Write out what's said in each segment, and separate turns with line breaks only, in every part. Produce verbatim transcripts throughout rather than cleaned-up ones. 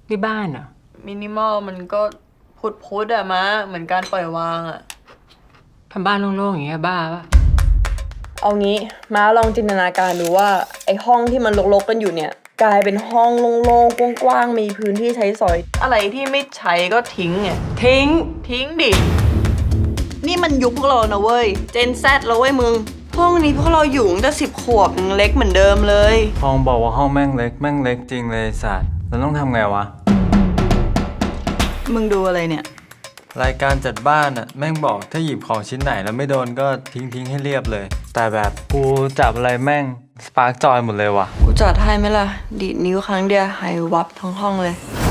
ที่บ้านเหรอ
มินิมอลมันก็พุดพุดอะมะเหมือนการปล่อยวางอะ
ทำบ้านโล่งๆอย่างเงี้ยบ้าปะ
เอางี้ม้าลองจินตนาการดูว่าไอห้องที่มันรกๆกันอยู่เนี่ยกลายเป็นห้องโล่งๆกว้างๆมีพื้นที่ใช้สอยอะไรที่ไม่ใช้ก็ทิ้งไง
ทิ้ง
ทิ้งดินี่มันยุคพวกเรานะเว้ยเจนแซดแล้วเว้ยมึงห้องนี้พวกเราอยู่ตั้งแต่สิบขวบยังเล็กเหมือนเดิมเลย
ห้องบอกว่าห้องแม่งเล็กแม่งเล็กจริงเลยสัตว์เราต้องทำไงวะ
มึงดูอะไรเนี่ย
รายการจัดบ้านอะแม่งบอกถ้าหยิบของชิ้นไหนแล้วไม่โดนก็ทิ้งทิ้งให้เรียบเลย แต่แบบกูจับอะไรแม่งสปาร์กจอยหมดเลยวะ
กูจัดให้ไหมล่ะดีดนิ้วครั้งเดียวหายวับทั้งห้องเลย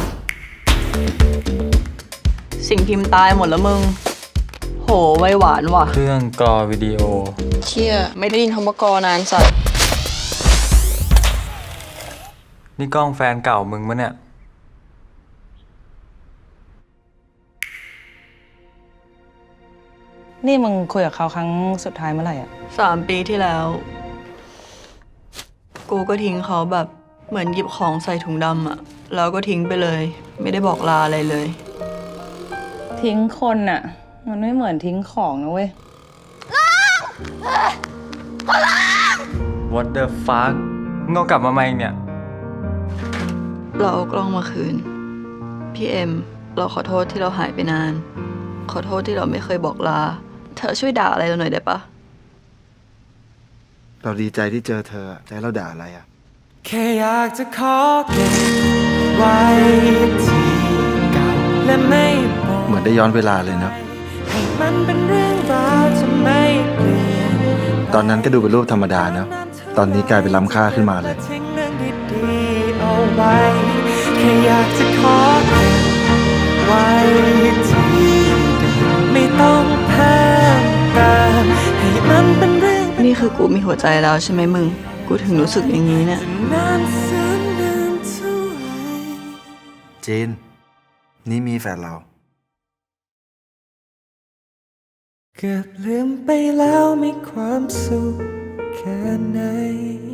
สิ่งพิมพ์ตายหมดแล้วมึงโหไวหวานว่ะ
เครื่องกรอวิดีโอ
เชี่ยไม่ได้ยินคำว่ากอนานสัตว์
นี่กล้องแฟนเก่ามึงมะเนี่ย
นี่มึงคุยกับเขาครั้งสุดท้ายเมื่อไหร่อ่ะ
สามปีที่แล้ว กูก็ทิ้งเขาแบบเหมือนหยิบของใส่ถุงดำอะแล้วก็ทิ้งไปเลย ไม่ได้บอกลาอะไรเลย
ทิ้งคนอ่ะ มันไม่เหมือนทิ้งของนะเว้ย
What the fuck มึงเอากลับมาไหมเนี่ย
เราเอากล้องมาคืน พี่เอ็ม เราขอโทษที่เราหายไปนาน ขอโทษที่เราไม่เคยบอกลา เธอช่วยด่าอะไรเราหน่อยได้ปะ
เราดีใจที่เจอเธอแต่เราด่าอะไรอ่ะ
แค่อยากจะขอเก็บไว้ที่เก่าและไม่บอก
เหมือนได้ย้อนเวลาเลยนะ
ให้มันเป็นเรื่องราวจะไม่เปลี่ยน
ตอนนั้นก็ดูเป็นรูปธรรมดานะตอนนี้กลายเป็นล้ำค่าขึ้นมาเลย
ทิ้งเรื่องดีๆเอาไว้แค่อยากจะขอเก็บไว้ที่เดิมไม่ต้องเพิ่มเติมให้มันเป็นเรื่อง
นี่คือกูมีหัวใจแล้วใช่ไหมมึง กูถึงรู้สึกอย่างนี้เนี่ย
นานแสนนานเท่าไหร่
จีน นี่มีแฟนเรา
เกือบลืมไปแล้วมีความสุขแค่ไหน